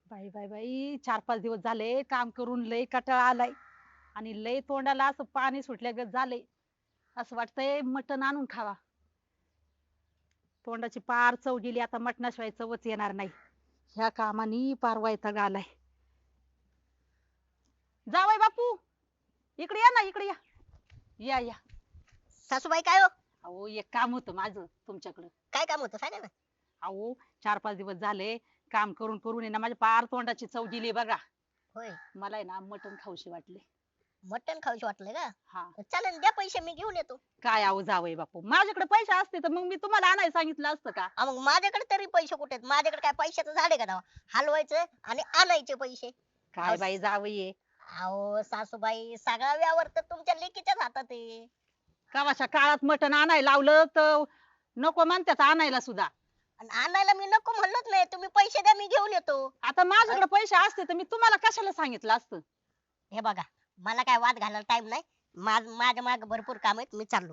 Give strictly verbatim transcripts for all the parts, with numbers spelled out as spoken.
बाई बाई बाई चार पाच दिवस झाले काम करून लय कटाळा आलाय आणि लय तोंडाला असं पाणी सुटल्यागत झालंय. असं वाटतंय मटण आणून खावा. तोंडाची पार चव गेली, आता मटणाशिवाय चवच येणार नाही. ह्या कामानी पार वैताग आलाय. जावई बापू, इकडे या ना, इकडे या. या या. सासूबाई काय हो? अहो एक काम होतं माझं तुमच्याकडं. काय काम होतं सांगा ना. अहो चार पाच दिवस झाले काम करून करून आहे ना, माझ्या पार तोंडाची चव गेली बघा. होय, मला आहे ना मटण खाऊशी वाटले. मटण खाऊशी वाटलं का? हा. चालेल, द्या पैसे, मी घेऊन येतो. काय आहो जावई बापू, माझ्याकडे पैसे असते तर मग मी तुम्हाला आणायला सांगितलं असतं का? हा, मग माझ्याकडे तरी पैसे कुठे आहेत? माझ्याकडे काय पैशाचं झाड आहे का तेव्हा? हलवायचं आणि आणायचे पैसे. काय बाई जावई आहे. अहो सासूबाई, सगळा व्यवहार तर तुमच्या लेकीच्याच हातात आहे. कवाच्या काळात मटण आणायला लावलं तर नको म्हणतात आणायला सुद्धा. आणि आणायला मी नको म्हणलोच नाही, तुम्ही पैसे द्या, मी घेऊन येतो. आता माझ्याकडे पैसे असते तर मी तुम्हाला कशाला सांगितलं असतं. हे बघा, मला काय वाद घालायला टाइम नाही. माझ- माझ्या मागे भरपूर काम आहेत, मी चाललो.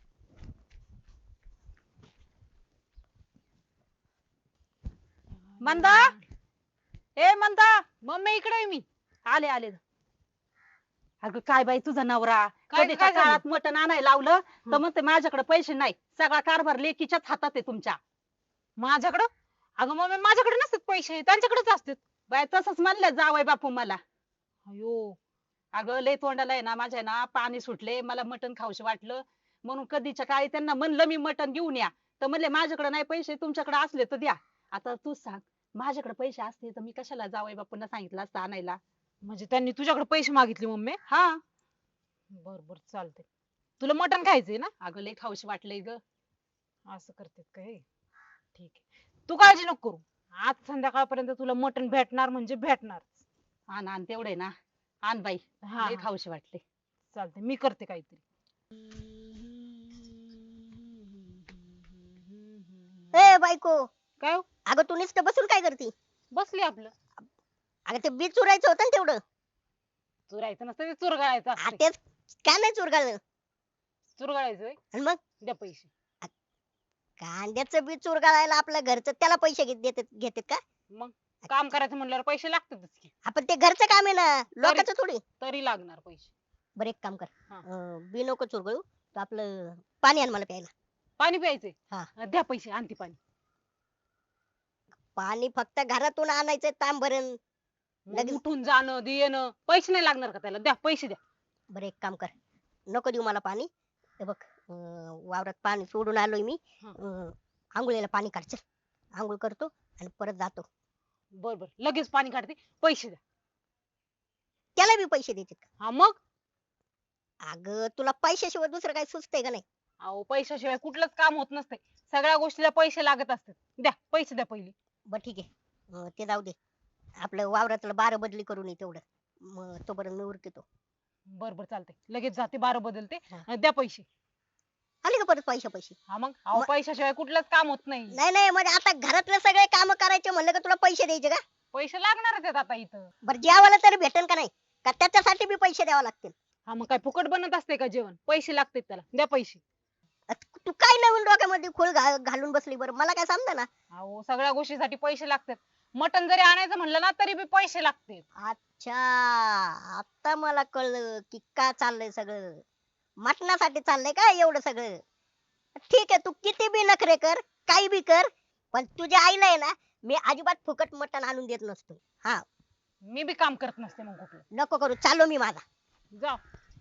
मंदा, ए मंदा, मम्मी इकडे आहे मी. आले आले. अगं काय बाई तुझा नवरा काय- कधीच्या काय झालं? काळात मटण आणायला लावलं तर हं. म्हणते माझ्याकडे पैसे नाही. सगळा कारभार लेकीच्याच हातात आहे तुमच्या. माझ्याकडं? अगं मम्मी, माझ्याकडे नसतात पैसे, त्यांच्याकडेच असतात. बाय तसंच म्हणलं जावई बापू मला. अयो, अगं लय तोंडाला आहे ना माझ्या ना पाणी सुटले, मला मटण खाऊशी वाटलं म्हणून कधीच्या काळी त्यांना म्हणलं मी मटण घेऊन या, तर म्हणले माझ्याकडे नाही पैसे, तुमच्याकडे असले तर द्या. आता तू सांग, माझ्याकडे पैसे असते तर मी कशाला जावई बापूंना सांगितलं असतं आणायला. म्हणजे त्यांनी तुझ्याकडे पैसे मागितले मम्मी? हा. बर बर, चालते. तुला मटण खायचंय ना? अगं लय खाऊशी वाटलंय ग. असं करतात काय? ठीक आहे, तू काळजी नको करू. आज संध्याकाळपर्यंत तुला मटण भेटणार म्हणजे भेटणार. आण आण तेवढे ना, आण बाई. हा लय हा, खाऊशी वाटले. चालते, मी करते काहीतरी. ए बायको, काय हो? अगं तू नुसतं बसून काय करती? बसली आपलं. अगं ते बी चुरायचं होतं ना तेवढं. चुरायचं नसतं, ते चुरगाळायचं हा, असतं. तेच काय नाही चुरगाळलं. चुरगाळायचं होय? आणि मग द्या पैसे. कांद्याचं बी चुरगाळायला आपल्या घरचं, त्याला पैसे घेत देतात घेतात का? मग काम करायचं म्हणल्यावर पैसे लागतातच की. आपण ते घरचं काम आहे ना, लोकांचं थोडी. तरी लागणार पैसे. बरं एक काम कर, हा. अं, बी नको चुरगळू, तर आपलं पाणी आण मला प्यायला. पाणी प्यायचंय? हा. अं, द्या पैसे, आणते पाणी. पाणी फक्त घरातून आणायचं तांब भरून. मग लगेच- उठून जाणं दे येणं, पैसे नाही लागणार का त्याला? द्या पैसे द्या. बरं एक काम कर, नको देऊ मला पाणी. हे बघ, अं, वावरात पाणी सोडून आलोय मी. हा. अं, आंघोळीला पाणी काढ, चल. आंघोळ करतो आणि परत जातो. बर बर, लगेच पाणी काढते, पैसे द्या. त्याला बी पैसे देते का? हा मग. अगं तुला पैशाशिवाय दुसरं काही सुचतंय का नाही? अहो, पैशाशिवाय कुठलंच काम होत नसते. सगळ्या गोष्टीला पैसे लागत असतात. द्या पैसे द्या पहिले. बरं ठीक आहे, अं, ते जाऊ दे. आपलं वावरातलं बारं बदली करून ये तेवढं, मग तोपर्यंत मी उरकतो. बर बर, चालते, लगेच जाते, बारा बदलते. हा. अं, द्या पैसे. आले का परत पैसे पैसे? हा मग, अहो मग- पैशाशिवाय कुठलंच काम होत नाही. नाही नाही, म्हणजे आता घरातले सगळे काम करायचे म्हणलं का तुला पैसे द्यायचे का? पैसे लागणारच आहेत आता इथं. बरं जेवायला तरी भेटेल का नाही? का त्याच्यासाठी बी पैसे द्यावे लागतील? हा मग काय फुकट बनत असते का जेवण? पैसे लागतात त्याला, द्या पैसे. अ, तू काय नवीन डोक्यामध्ये खोल घा- घालून बसली बरं, मला काय समजा ना. अहो, सगळ्या गोष्टीसाठी पैसे लागतात. मटण जरी आणायचं म्हणलं ना तरी बी पैसे लागतात. अच्छा, आता मला कळलं की का चाललंय सगळं. मटणासाठी चाललंय का एवढं सगळं? ठीक आहे, तू किती बी नखरे कर, काही बी कर, पण तुझ्या आईला आहे ना, मी अजिबात फुकट मटण आणून देत नसतो. हा, मी बी काम करत नसते मग कुठलं. नको करू, चाललो मी माझा. जा.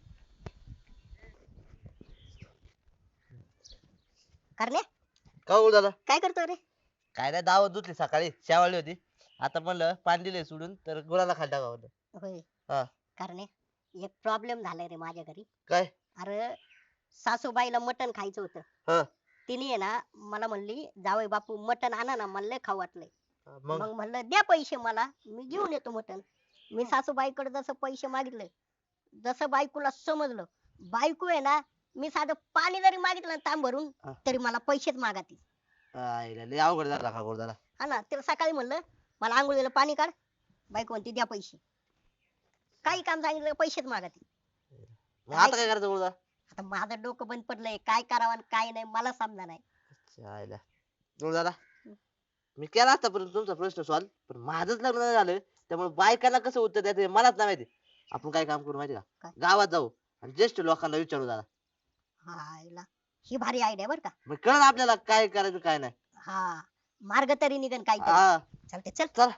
करणे, का बोल दादा? काय करतो रे? काय नाही, दावत धुतली सकाळी, शेवाळली होती. आता म्हणलं पाणी दिले सोडून तर गुळाला खाली टाकावं. होय. हा. करणे, एक प्रॉब्लेम झालाय रे माझ्या घरी. काय? अरे सासूबाईला मटण खायचं होतं. हा. तिने आहे ना मला म्हणली, जावई बापू मटण आणा ना, मला लय खाऊ वाटलंय. मग मग म्हणलं द्या पैसे मला, मी घेऊन येतो मटण. मी सासूबाईकडे जसं पैसे मागितले, जसं बायकोला समजलं, बायको आहे ना, मी साधं पाणी जरी मागितलं ना तांब भरून, हा. तरी मला पैसेच मागाती. आईला लय अवघड झाला का दादा? हा ना, तिला सकाळी म्हणलं मला आंघोळीला पाणी काढ, बायको म्हणते द्या पैसे. काही काम सांगितलं का पैसेच मागाती. मग आता काय करायचं गुरुदा? आता माझं डोकं बंद पडलंय, काय करावं आणि काय नाही मला समजा नाही. आईला गुरुदादा, मी केला असता पण तुमचा प्रश्न सॉल्व, पण माझंच लग्न नाही झालं त्यामुळे बायकांना कसं उत्तर द्यायचं हे मलाच नाही माहिती. आपण काय काम करू माहिती का, काय? गावात जाऊ आणि ज्येष्ठ लोकांना विचारू जरा, हायला ही भारी आयडिया बर का. मग कळलं आपल्याला काय करायचं काय नाही. हा मार्ग तरी निघन काय हा चालते चल. चल.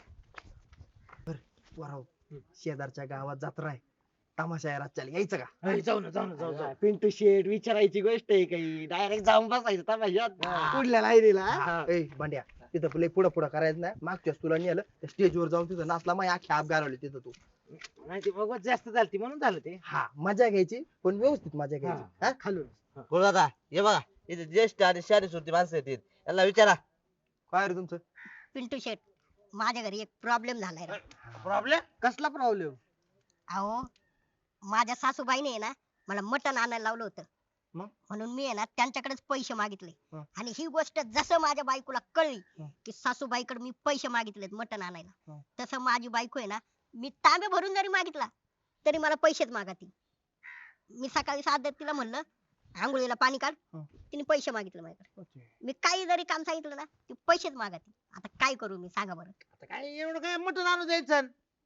वराव शेजारच्या गावात जत्रा आहे, तमाशा आहे रातच्याला, यायचं का? अरे जाऊ ना जाऊ ना जाऊ जाऊ पिंटू शेट विचारायची गोष्ट आहे काही, डायरेक्ट जाऊन बसायचं तमाशात पुढल्या लाईनीला. हा. ए भांड्या, तिथं पुढे पुढं पुढं करायचं नाही, मागच्याच तुला नेलं त्या स्टेजवर जाऊन तिथं नाचला, मग अख्खी आप गारवली तिथं तू. नाही ते बघत जास्त झालती म्हणून झालं ते. हा मजा घ्यायची पण व्यवस्थित मजा घ्यायची. हा. हा खालून गुरुदादा हे बघा, इथे ज्येष्ठ आणि शहरी सुरती माणसं येतील, यांना विचारा. काय रे तुमचं पिंटू शेट माझ्या घरी एक प्रॉब्लेम झालाय राव. प्रॉब्लेम कसला प्रॉब्लेम? अहो माझ्या सासूबाईने आहे ना मला मटण आणायला लावलं होतं, मग? म्हणून मी आहे ना त्यांच्याकडेच पैसे मागितले. हं. आणि ही गोष्ट जसं माझ्या बायकोला कळली हं. की सासूबाईकडे मी पैसे मागितलेत मटण आणायला, हं. तसं माझी बायको आहे ना मी तांबे भरून जरी मागितला तरी मला पैसेच मागती. मी सकाळी सात तिला म्हणलं आंघोळीला पाणी काढ, हं. तिने पैसे मागितले माझ्याकडे. मी काही जरी काम सांगितलं ना ती पैसेच मागती. आता काय करू मी सांगा बरं. आता काय एवढं काय मटण आणून द्यायचं.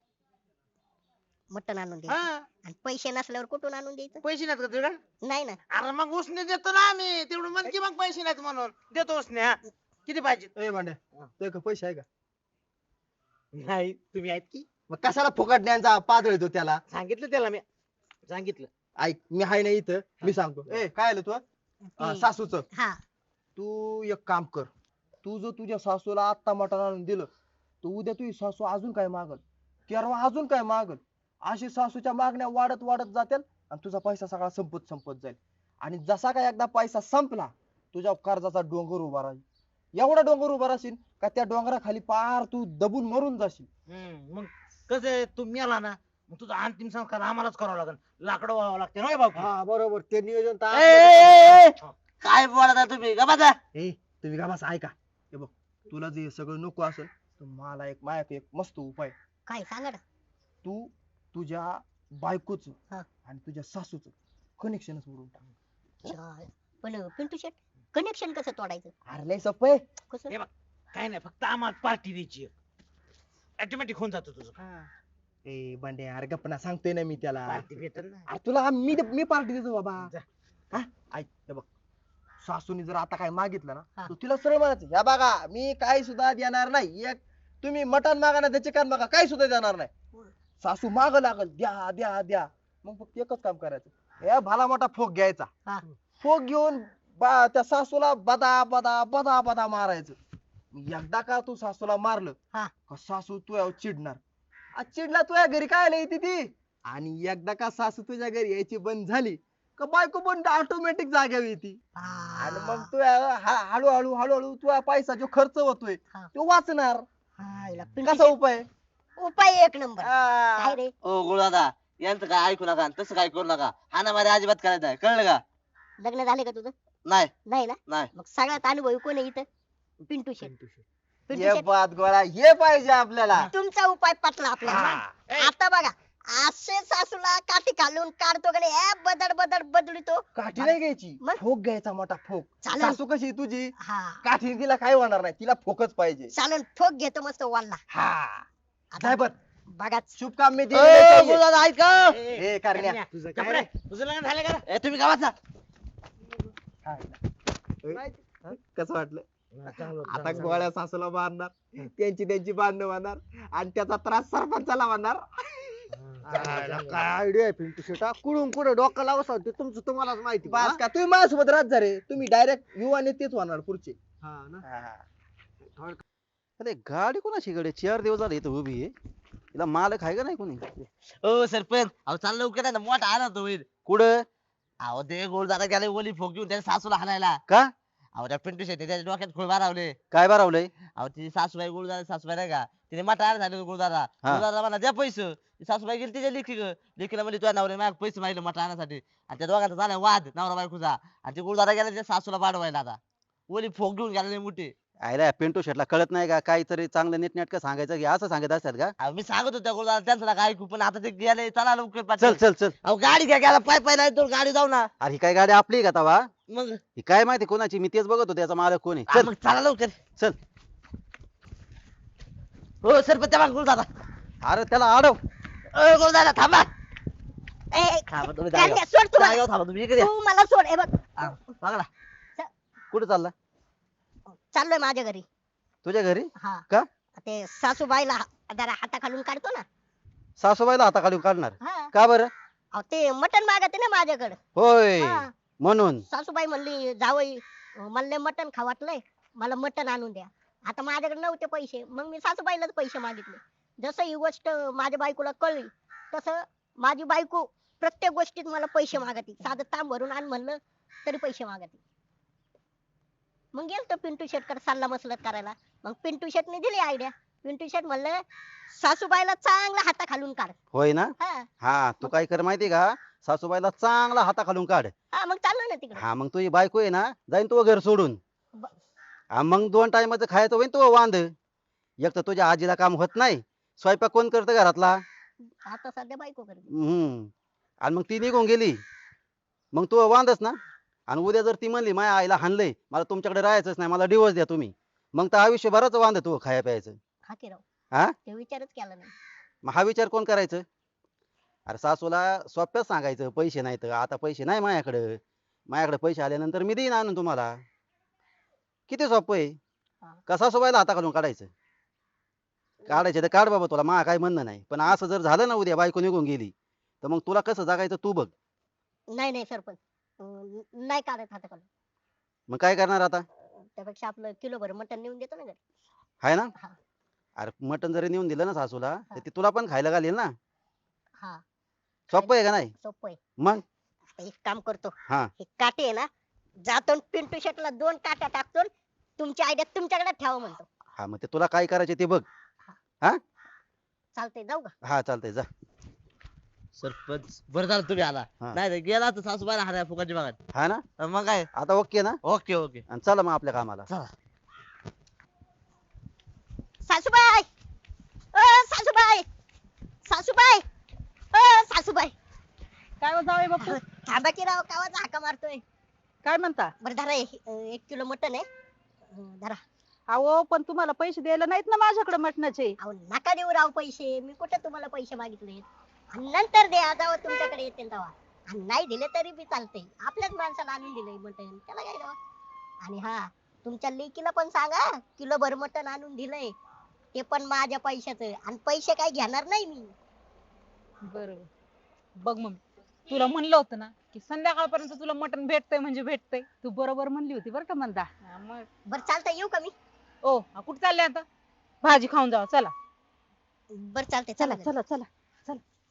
मटण आणून द्यायचं हा आणि पैसे नसल्यावर कुठून आणून द्यायचं? पैसे नाहीत का तुझ्याकडे? नाही ना. अरे मग उसने देतो ना आम्ही, तेवढं म्हण की मग पैसे नाहीत म्हणून देतो उसने. हा किती पाहिजे? ए भांड्या, तुझ्या का पैसे आहे का? नाही तुम्ही आहेत की? मग कशाला फुकट न्यायचा पादळ येतो त्याला. सांगितलं त्याला मी, सांगितलं. ऐक मी हाय नाही इथं, मी सांगतो. ए काय आलं तू ती- सासूच, हा तू एक काम कर, तू जर तुझ्या सासूला आत्ता मटण आणून दिलं तर उद्या तुझी सासू अजून काय मागल, तेरवा अजून काय मागल, अशी सासूच्या मागण्या वाढत वाढत जातील आणि तुझा पैसा सगळा संपत संपत जाईल. आणि जसा काय एकदा पैसा संपला तुझ्या कर्जाचा डोंगर उभा राहील. एवढा डोंगर उभा राहशील का त्या डोंगराखाली पार तू दबून मरून जाशील. हम्म, मग कसं आहे, तू मेला ना मग तुझा अंतिम संस्कार आम्हालाच करावा लागेल, लाकडं व्हावं लागते ना बाबू. हा बरोबर, ते नियोजन तर ए, ए, ए, ए, काय बोलता तुम्ही का माझा? ए तुम्ही का बस ऐका, हे बघ तुला जे सगळं नको असेल तर मला एक माझ्याकडे एक मस्त उपाय आहे. काय सांगा ना. तू तुझ्या बायकोच हा. आणि तुझ्या सासूच कनेक्शनच मोडून टाक. चाल. पण पिंटू शेट कनेक्शन कसं तोडायचं? अरे लय सोपं आहे. कसं? हे बघ, काय नाही, फक्त आम्हाला पार्टी द्यायची, ऑटोमॅटिक होऊन जातो तुझं. ए बंडे अरे गप्पा सांगतोय ना मी त्याला. पार्टी भेटल ना. अरे तुला मी मी पार्टी देतो बाबा. जा. हा ऐक हे बघ, सासूनी जर आता काय मागितलं हा. ना तू तिला सरळ म्हणायचं, या बघा मी काय सुद्धा देणार नाही, एक तुम्ही मटण मागा ना त्याचे कान मागा काही सुद्धा देणार नाही. सासू माग लागल द्या द्या द्या, मग फक्त एकच काम करायचं, हे भला मोठा फोक घ्यायचा, हा. फोक घेऊन बा त्या सासूला बदा बदा बदा बदा मारायचं. एकदा का तू सासूला मारलं हा. का सासू तुझ्यावर चिडणार, आ, चिडला तुझ्या घरी काय येते ती, आणि एकदा का सासू तुझ्या घरी यायची बंद झाली का बायको पण ऑटोमॅटिक जाग्यावर येते. आणि मग तू हळूहळू हळूहळू तुझा पैसा जो खर्च होतोय हा. तो वाचणार. हा, हिला पिंटू कसा उपाय? शेट, उपाय एक नंबर. आ, काय रे ओ गुरुदादा यांचं काय ऐकू नका आणि तसं काय करू नका, हाना मारे अजिबात करायचं आहे, कळलं का? लग्न झाले का तुझं? नाही नाही ना. नाही. मग सगळ्यात अनुभवी कोण आहे इथं? पिंटू शेट. पिंटू हे शेट बात गोळा हे पाहिजे आपल्याला. तुमचा उपाय पटला आपल्याला. आता बघा असे सासूला काठी घालून काढतो का नाही, ए, बदड बदड बदलतो. काठी नाही घ्यायची, मग? फोक घ्यायचा मोठा फोक. चालेल. सासू कशी आहे तुझी, हा काठी तिला काय होणार नाही, तिला फोकच पाहिजे. चालेल, ठोक घेतो मस्त वाला. हा आता जाय बर, बघा शुभ काम मी ओ, दे. गुरुदादा ऐका. ए करण्या, तुझं काय रे? तुझं लग्न झालं का रे? ए, तुम्ही गावात जा. कसं वाटलं? चांगलं होतं, आता चांगलं गोळ्या सासूला मारणार, त्यांची त्यांची बांधणं मारणार आणि त्याचा त्रास सरपंचाला मारणार. होतं. काय आयडिया आहे पिंटू शेटा, कुडून कुठे डोकं लावस होते तुमचं तुम्हालाच माहिती. बस का तुम्ही माझ्यासोबत राहत जा रे, तुम्ही डायरेक्ट युवा नेतेच होणार पुढचे. अरे गाडी कोणाची कडे चार दिवस झाले इथं उभी आहे, तिला मालक आहे का नाही कोणी? ओ सरपंच अहो चाललं लवकर आहे ना, मोठा आला तो होईल. कुठं? अहो ते गुरुदादा गेले ओली फोक घेऊन त्याच्या सासूला हाणायला. का अहो त्या पिंटू शेट्टी त्याच्या डोक्यात खोळ मारावले. काय भरावलंय? अहो ती सासूबाई गुरुदादा सासूबाई नाही का, तिने मटार झाले गुरुदादा. हा. गुरुदादा म्हणा द्या पैसे, ती सासूबाई गेली तिच्या लेखी लेखीला म्हणजे तुझ्या नवऱ्याने माझ्या पैसे मागले मटार आणण्यासाठी, आणि त्या दोघांचा झाला वाद नवरा बायकोचा, आणि ते गुरुदादा गेला त्या सासूला पाडवायला. आता ओली फोक घेऊन गेले मोठे. आयला पिंटू शेटला कळत नाही का काहीतरी चांगलं नीटनेटकं सांगायचं की असं सांगत असतात का? अहो मी सांगत होतो त्या गुरुदादा त्यांचं नका ऐकू, पण आता ते गेले, चला लवकर चल पाटील. चल चल. अहो गाडी घ्या, गेला पाय पाय नाही तर गाडी जाऊ ना. अरे ही काय गाडी आपली आहे का तवा? मग ही काय माहिती कोणाची, मी तेच बघत होतो त्याचा मालक कोण आहे. हा, चल मग चला लवकर. चल. हो सरपंच त्या मागे दादा अरे त्याला अडव. दादा थांबा ए, थांबा तुम्ही करण्या, जागेवर. सोड तू मला. जागेवर थांबा तुम्ही इकडे या. तू मला सोड. हे बघ हा, बघा ना. कुठे चालला? चाललोय माझ्या घरी. तुझ्या घरी? हा का? ते सासूबाईला हा- जरा हाताखालून काढतो ना. सासूबाईला हाताखाली काढणार? हा का बरं? अहो, ते मटण मागते ना माझ्याकडे. होय हा. म्हणून. सासूबाई म्हणली जावई मला मटण खावाटलंय, मला मटण आणून द्या. आता माझ्याकडे नव्हते पैसे, मग मी सासूबाईलाच पैसे मागितले. जसं ही गोष्ट माझ्या बायकोला कळली तसं माझी बायको प्रत्येक गोष्टीत मला पैसे मागते. साधं तांब भरून आण म्हणलं तरी पैसे मागते. मग गेलतो पिंटू शेटकडे सल्ला मसलत करायला. मग पिंटू शेटने दिली आयडिया. पिंटू शेट म्हणलं सासूबाईला चांगला हाता खालून काढ. होय ना? हा हा तू काय कर माहिती का, सासूबाईला चांगला हाताखालून काढ. हा मग चाललो ना तिकडे. हा मग तुझी बायको आहे ना, जाईन तू घर सोडून. ब- हा मग दोन टायमाचं खायचं होईन तू वांद. एक तर तुझ्या आजीला काम होत नाही, स्वयंपाक कोण करतं घरातला? आता सध्या बायको करते. हम्म आणि मग ती निघून गेली, मग तू वांदच ना. आणि उद्या जर ती म्हणली माझ्या आईला हाणलंय, मला तुमच्याकडे राहायचंच नाही, मला डिवोर्स द्या तुम्ही, मग तर आयुष्यभरच वांद तू खाया प्यायचं. हा की राव. हा ते विचारच केला नाही. मग हा विचार कोण करायचं? अरे सासूला सोप्याच सांगायचं पैसे नाहीत, आता पैसे नाही माझ्याकडे, माझ्याकडे पैसे आल्यानंतर मी देईन आणून तुम्हाला. किती सोपं आहे. हा. का सासूबाईला हाता घालून काढायचं? काढायचे तर काढ बाबा, तुला मा काय म्हणणं नाही, पण असं जर झालं ना उद्या बायको निघून गेली तर मग तुला कसं जगायचं तू बघ. नाही नाही सरपंच, अं, नाही काढत हाता खालून. मग काय करणार आता? त्यापेक्षा आपलं किलो भर मटण नेऊन देतो ना घरी. आहे ना? हा. अरे मटण जरी नेऊन दिलं ना सासूला, तर हा. ती तुला पण खायला घालेल ना. हा सोपं आहे का नाही? सोपं आहे. मग आता एक काम करतो, हा हे काटे आहे ना, जातो न पिंटू शेटला दोन काट्या टाकतो न तुमची आयडिया तुमच्याकडे ठेवा म्हणतो. हा मग ते तुला काय करायचे ते बघ. चालतंय, जाऊ का? हा चालतंय जा. सरपंच बरं झालं तुम्ही आला, हा. नाही तर गेला तर सासूबाईला हाणाय फुकाची बघा. हा ना, मग काय. आता ओके ना? ओके ओके आणि चला मग आपल्या कामाला. चला. सासूबाई, अ सासूबाई, सासूबाई, अ सासूबाई, काय हो जावई बापू, अहो, थांबा की राव, कावाचा हाका मारतोय. काय म्हणता? बरं धरा, हे, अ, एक किलो मटण आहे. अं, धरा. अहो पण तुम्हाला पैसे द्यायला नाहीत ना माझ्याकडे मटणाचे. अहो नका देऊ राव पैसे, मी कुठे तुम्हाला पैसे मागितले. आणि नंतर द्या जेव्हा तुमच्याकडे येतील तेव्हा. आणि नाही दिले तरी बी चालते, आपल्याच माणसाला आणून दिलंय मटण, त्याला काय राव. आणि हा, तुमच्या लेकीला पण सांगा किलो भर मटण आणून दिलंय, ते पण माझ्या पैशाचं, आणि पैसे काय घेणार नाही मी. बरोबर. बघ मग तुला म्हणलं होतं ना की संध्याकाळपर्यंत तुला मटण भेटतंय म्हणजे भेटतंय. तू बरोबर म्हणली होती बरं का म्हणता. हा, मग बरं चालतंय, येऊ का मी? ओ हा, कुठं चालले आता? भाजी खाऊन जावा चला. बरं चालतंय, चला चला चला चला चला.